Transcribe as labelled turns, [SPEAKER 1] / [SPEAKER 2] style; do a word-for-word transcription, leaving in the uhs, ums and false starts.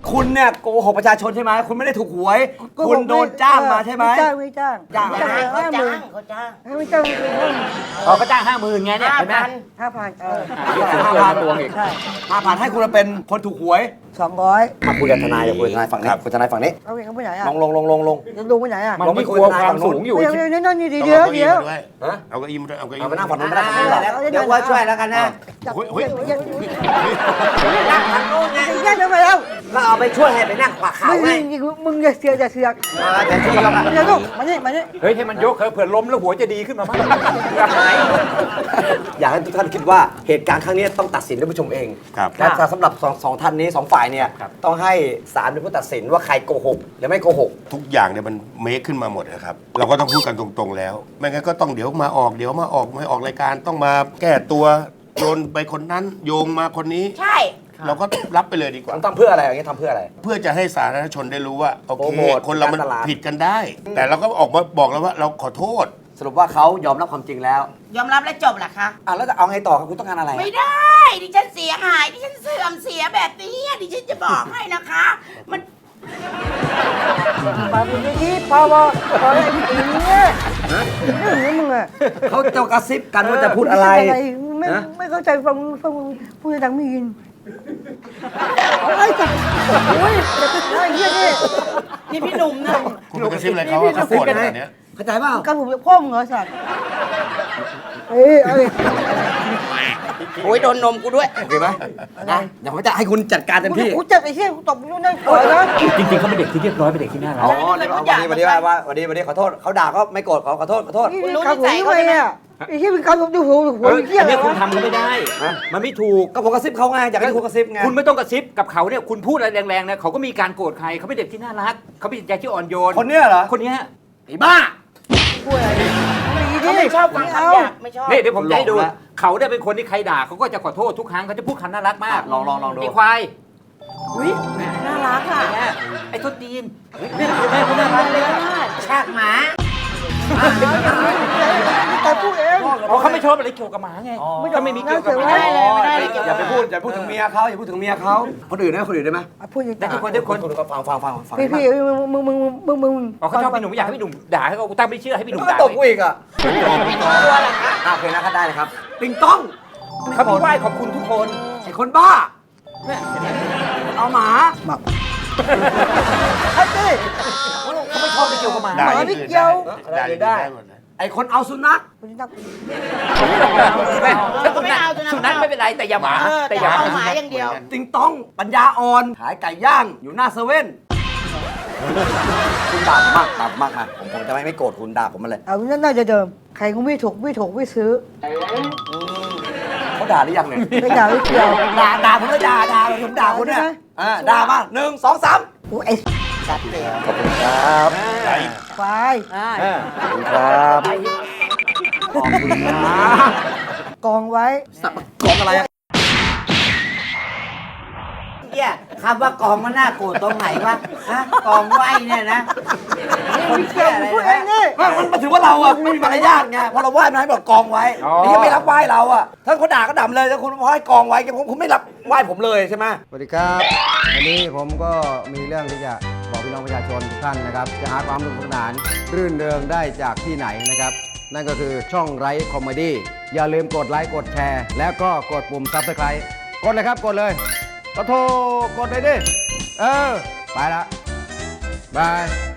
[SPEAKER 1] คุณเนี่ยโกหกประชาชนใช่ไหมคุณไม่ได้ถูกหวยคุณโดนจ้างมาใช่ไหม
[SPEAKER 2] ไม่จ้างไม่จ้าง
[SPEAKER 1] จ้าง
[SPEAKER 2] ไม่จ้าง
[SPEAKER 3] เขา
[SPEAKER 2] ห้าห
[SPEAKER 3] จ้า
[SPEAKER 2] มื่น
[SPEAKER 3] งเขาจ้าง
[SPEAKER 2] ไม่จ้าง
[SPEAKER 4] เขาก็จ้างห้าหมื่นไงเนี่ย
[SPEAKER 3] ห้า
[SPEAKER 4] เห็นไหม
[SPEAKER 3] พัน
[SPEAKER 2] ห้าพันเออ
[SPEAKER 1] ห้าพัน
[SPEAKER 4] ตัวอีก
[SPEAKER 2] ใช่
[SPEAKER 1] ห้าพันให้คุณมาเป็นคนถูกหวย
[SPEAKER 2] สองร้อย
[SPEAKER 1] มาคุยกับทนายเดี๋ยวคุยกับทนายฝั่งนี้คุยกับทนายฝั่งนี้
[SPEAKER 2] เอาเองเขาไปไหนอ่ะ
[SPEAKER 1] ลงลงลงลงลง
[SPEAKER 2] จะลงไปไหนอ่ะ
[SPEAKER 4] มันไม่กลัวความสูงอยู่
[SPEAKER 2] เดี๋ยวเดี๋ยวนั่นนี่เดี๋ยวเดี๋ยว
[SPEAKER 1] ฮะ
[SPEAKER 5] เอาเก้าอี้มาด้วยเอาเก้าอี้
[SPEAKER 1] เอาไป
[SPEAKER 5] มา
[SPEAKER 1] นั่งฝั่งนู้นไม่ได้ฝั่งนู้นไม่ได้
[SPEAKER 3] เดี๋ยวว่าช่วยแล้วกันนะ
[SPEAKER 2] จับ
[SPEAKER 5] เฮ้ยเฮ้ย
[SPEAKER 3] นั่งทางโน้นไง
[SPEAKER 2] แยกกันไปแล้ว
[SPEAKER 3] ก็เอาไปช่วยให้ไปนั่งขวาเขา
[SPEAKER 2] มึง
[SPEAKER 3] ไง
[SPEAKER 2] มึงอย่าเสือกอย่าเสือก
[SPEAKER 3] แต่ช่วยแล้วกัน
[SPEAKER 2] เดี๋ยวลูกมานี่มานี่
[SPEAKER 4] เฮ้ยให้มันยกเผื่อล้มแล้วหัวจะดีขึ้นมามั้งหาย
[SPEAKER 1] อยากให้ทุกท่านคิดว่าเหตุการณ์ครั้งนี้ต้องตัดสินด้วยผู้ชมเอง
[SPEAKER 5] ครับ
[SPEAKER 1] และสำหรับสองสองท่านนี้สองฝ่ายเนี่ยต้องให้ศาลเป็นผู้ตัดสินว่าใครโกหกหรือไม่โกหก
[SPEAKER 5] ทุกอย่างเนี่ยมันเมคขึ้นมาหมดนะครับ เราก็ต้องพูดกันตรงๆแล้ว ไม่งั้นก็ต้องเดี๋ยวมาออกเดี๋ยวมาออกไม่ออกรายการต้องมาแก้ตัวโยนไปคนนั้นโยงมาคนนี้
[SPEAKER 3] ใช่
[SPEAKER 5] เราก็รับไปเลยดีกว่า
[SPEAKER 1] ต้องทำเพื่ออะไรอย่างเงี้ยทำเพื่ออะไร
[SPEAKER 5] เพื่อจะให้สาธารณชนได้รู้ว่าโอ
[SPEAKER 1] โปร
[SPEAKER 5] เค
[SPEAKER 1] โมท
[SPEAKER 5] คนเรามัน
[SPEAKER 1] การตลาด
[SPEAKER 5] ผิดกันได้ แต่เราก็ออกมาบอกแล้วว่าเราขอโทษ
[SPEAKER 1] สรุปว่าเขายอมรับความจริงแล้ว
[SPEAKER 3] ยอมรับและจบเหรอคะ
[SPEAKER 1] อ่ะแล้วจะเอาไงต่อครับคุณต้องการอะไร
[SPEAKER 3] ไม่ได้ ดิฉันเสียหาย ดิฉันเสื่อมเสียแบบนี้ดิฉันจะบอกให้นะคะ มัน
[SPEAKER 2] มาบุญที่พอพอพอไอ้เนี่ยเรื่องนี้มึงอ่ะ
[SPEAKER 1] เขาจะกระซิบกันว่าจะพูดอะไร
[SPEAKER 2] ไม่
[SPEAKER 1] ฮะ
[SPEAKER 2] ไม่เข้าใจฟังฟังพูดดังไม่ยินไอ้จับโอ้ยไอ้เหี้ยนี่
[SPEAKER 3] นี่พี่หนุ่มนะ
[SPEAKER 5] คุณไปกระซิบอะไรเขาว่าเขาโกรธขนาดเนี้ย
[SPEAKER 1] เข้าใจเปล่า
[SPEAKER 2] การผมจะพ่อมึงเหรอสัตว์เอ้ยเอ้ย
[SPEAKER 3] โอ้ยโดนนมกูด้วย
[SPEAKER 1] โอเคไหมนะเดี๋ยวผมจะให้คุณจัดการเต็มที่
[SPEAKER 2] กูเจ็บไอ้เหี้ยกูตบนู่นนั่นก่อนนะ
[SPEAKER 4] จริงๆเขาเป็นเด็กที่เรียบร้อยเป็นเด็กที่น่ารั
[SPEAKER 1] อ๋
[SPEAKER 4] ก
[SPEAKER 1] อเดี๋ยววันนี้วันนี้ว่าว่าวันนี้วันนี้ขอโทษเขาด่าก็ไม่โกรธขอขอโทษขอโทษ
[SPEAKER 2] นี่การผมทำไมอ่ะไอ้เหี้ยเป็นการผมดูหัวหัว
[SPEAKER 4] เฮ้ย
[SPEAKER 2] เหี้ย
[SPEAKER 4] อัน
[SPEAKER 2] อะไร
[SPEAKER 4] เนี้ยคุณ
[SPEAKER 2] วะ
[SPEAKER 4] ทำเขาไม่ได้
[SPEAKER 1] ฮะ
[SPEAKER 4] มันไม่ถูก
[SPEAKER 1] ก็ผมกระซิบเขาไงอยากให้คุณกระซิบไง
[SPEAKER 4] คุณไม่ต้องกระซิบกับเขาเนี่ยคุณพูดอะไรแรงๆนะเขาก็มีการโกรธใครเขาเป็นเด็กที่น่ารักเขาเป็นใจที่อ่อนโยน
[SPEAKER 1] คนเนี้ยเหรอ
[SPEAKER 4] คนเนี้ยไอ้บ้า
[SPEAKER 2] พูดอะไรดิ
[SPEAKER 3] เขาไม่ชอบฟัง
[SPEAKER 2] เอา
[SPEAKER 3] คำหยาบไม่ชอบ
[SPEAKER 4] นี่เดี๋ยวผมจะให้ดู
[SPEAKER 1] หลอกละ
[SPEAKER 4] เขาเนี่ยเป็นคนที่ใครด่าเขาก็จะขอโทษทุกครั้งเขาจะพูดคำน่ารักมาก
[SPEAKER 1] ลองลองลองดู
[SPEAKER 4] ไอ้ควาย
[SPEAKER 3] อุ้ยน่ารักอ่ะ
[SPEAKER 4] เนี่ยไอ้ต้นตีนนี่แม่เขาน่ารักเลยอะ
[SPEAKER 3] ชากหมา
[SPEAKER 2] แต่พูดเอง
[SPEAKER 4] เพราะเขาไม่ชอบอะไรเกี่ยวกับหมาไงถ้าไม่มีเกี่ยวกับหมา
[SPEAKER 3] ไม่ได้เลยไม่ได้เลย
[SPEAKER 1] อย่าไปพูดอย่าพูดถึงเมียเขาอย่าพูดถึงเมียเขาคนอื่นได้ไหมคนอื่นได้ไหม
[SPEAKER 2] พูดอย่าง
[SPEAKER 4] ได้ทุกคนได้ทุกคน
[SPEAKER 1] คนก็ฟังฟังฟังฟัง
[SPEAKER 2] พี่พี่มึงมึงมึงมึงมึง
[SPEAKER 4] อ๋อเขาชอบพี่หนุ่มอยากให้พี่หนุ่มด่าให้เขาตั้งไม่เชื่อให้พี่หนุ่ม
[SPEAKER 1] ก็
[SPEAKER 4] ด่า
[SPEAKER 1] ตบกูอีกอ่ะ
[SPEAKER 3] ตัวเหรอคะ
[SPEAKER 1] อ่ะโอเคนะครับได้เลยครับติงต้อง
[SPEAKER 4] เขาพี่ไหว้ขอบคุณทุกคน
[SPEAKER 1] ไอ้คนบ้า
[SPEAKER 4] เนี่ย
[SPEAKER 1] เอาหมา
[SPEAKER 2] ไอ้เต้
[SPEAKER 4] เขาไม่ชอบอะไรเกี่ยวกับหมา
[SPEAKER 5] ด่า
[SPEAKER 2] หมา
[SPEAKER 5] อย่าง
[SPEAKER 2] ไม่
[SPEAKER 5] อื่น
[SPEAKER 2] เกี่ยว
[SPEAKER 5] ได้ด่าอย่างอื่นได้หมดเลย
[SPEAKER 1] ไอ้คนเอาสุนัข
[SPEAKER 2] คุณนัก
[SPEAKER 4] ไม่สุนัขสุนัขไม่เป็นไรแต่อย่าหมา
[SPEAKER 3] เออ
[SPEAKER 4] แต่
[SPEAKER 3] แต่
[SPEAKER 4] อย่าห
[SPEAKER 3] เอา
[SPEAKER 4] มา
[SPEAKER 3] หมาอย่างเดียว
[SPEAKER 1] ติงต้องปัญญาอ่อนขายไก่ย่างอยู่หน้าเซเว่นคุณด่าผมมากด่าผมมากนะผมผมจะไม่ไม่โกรธคุณด่าผมมาเลย
[SPEAKER 2] เอานั่นน่าจะเดิมใครก็ไม่ถูกไม่ถูกไม่ซื้อ
[SPEAKER 1] เขาด่าหรือยังเนี่ย
[SPEAKER 2] ไม่ด่าไม่เกี่ยว
[SPEAKER 1] ด่าด่าผมเลยด่าด่าผมด่าคุณเนี่ย
[SPEAKER 2] ใช่ไหม
[SPEAKER 1] อ่าด่ามาหนึ่งสองสาม
[SPEAKER 2] โอ้ไอ้
[SPEAKER 1] ขอบคุณครับ
[SPEAKER 2] ควาย
[SPEAKER 1] ขอบคุณครับขอบคุณนะ
[SPEAKER 2] กองไว้
[SPEAKER 1] สับกองอะไรอะ
[SPEAKER 3] เนี่ยคำว่ากองมันน่าโกรธตรงไหนวะฮะกองไหวเนี่ยนะคน
[SPEAKER 2] เกี่
[SPEAKER 3] เชี่
[SPEAKER 2] ย
[SPEAKER 3] ยว อะไร
[SPEAKER 2] พูดเอง
[SPEAKER 3] นะ
[SPEAKER 2] นี่
[SPEAKER 1] ไม่มันมันถือว่าเราอะไม่มีมารยาทไงพอเราไหว้มันให้บอกกองไว้นี่ยังไม่รับไหว้เราอะถ้าเขาด่าก็ด่าเลยถ้าคุณพอให้กองไว้ผมผมไม่รับไหว้ผมเลยใช่ไหม
[SPEAKER 6] สวัสดีครับ วันนี้ผมก็มีเรื่องที่จะบอกพี่น้องประชาชนทุกท่านนะครับ จะหาความสนุกสนานรื่นเริงได้จากที่ไหนนะครับ นั่นก็คือช่องไร้คอมเมดี้อย่าลืมกดไลค์กดแชร์ แล้วก็กดปุ่มซับสไครต์กดเลยครับกดเลยก็โทรกดเลยดิ เออ ไปละบาย